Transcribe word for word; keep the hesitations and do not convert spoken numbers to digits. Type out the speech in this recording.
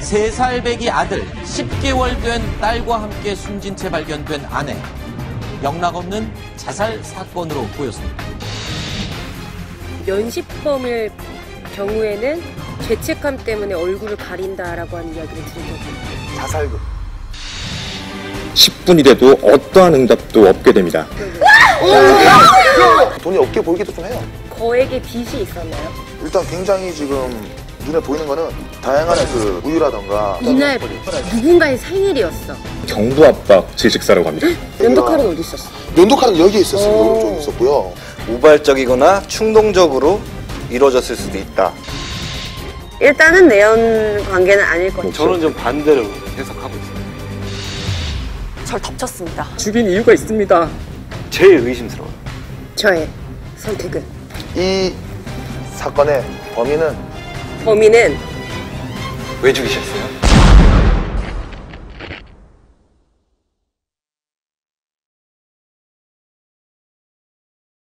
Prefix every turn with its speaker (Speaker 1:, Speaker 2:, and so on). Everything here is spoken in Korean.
Speaker 1: 세 살 배기 아들, 십 개월 된 딸과 함께 숨진 채 발견된 아내. 영락없는 자살 사건으로 보였습니다.
Speaker 2: 면식범일 경우에는 죄책감 때문에 얼굴을 가린다라고 하는 이야기를 들은 적이 있어요.
Speaker 3: 자살극.
Speaker 4: 십 분이 돼도 어떠한 응답도 없게 됩니다.
Speaker 3: 돈이 없게 보이기도 좀 해요.
Speaker 2: 거액의 빚이 있었나요?
Speaker 3: 일단 굉장히 지금 눈에 보이는 거는 다양한 그 우유라던가
Speaker 2: 이날 누군가의 생일이었어.
Speaker 4: 경부 압박 질식사라고 합니다.
Speaker 2: 면도칼은 어디 있었어?
Speaker 3: 면도칼은 여기에 있었어요. 오른쪽에 있었고요.
Speaker 5: 우발적이거나 충동적으로 이루어졌을 수도 있다.
Speaker 2: 일단은 내연 관계는 아닐 것 같아요.
Speaker 5: 저는 좀 반대로 해석하고 있습니다.
Speaker 6: 절 덮쳤습니다.
Speaker 4: 죽인 이유가 있습니다.
Speaker 5: 제일 의심스러워요.
Speaker 2: 저의 선택은
Speaker 3: 이 사건의 범인은
Speaker 2: 범인은
Speaker 5: 왜 죽이셨어요?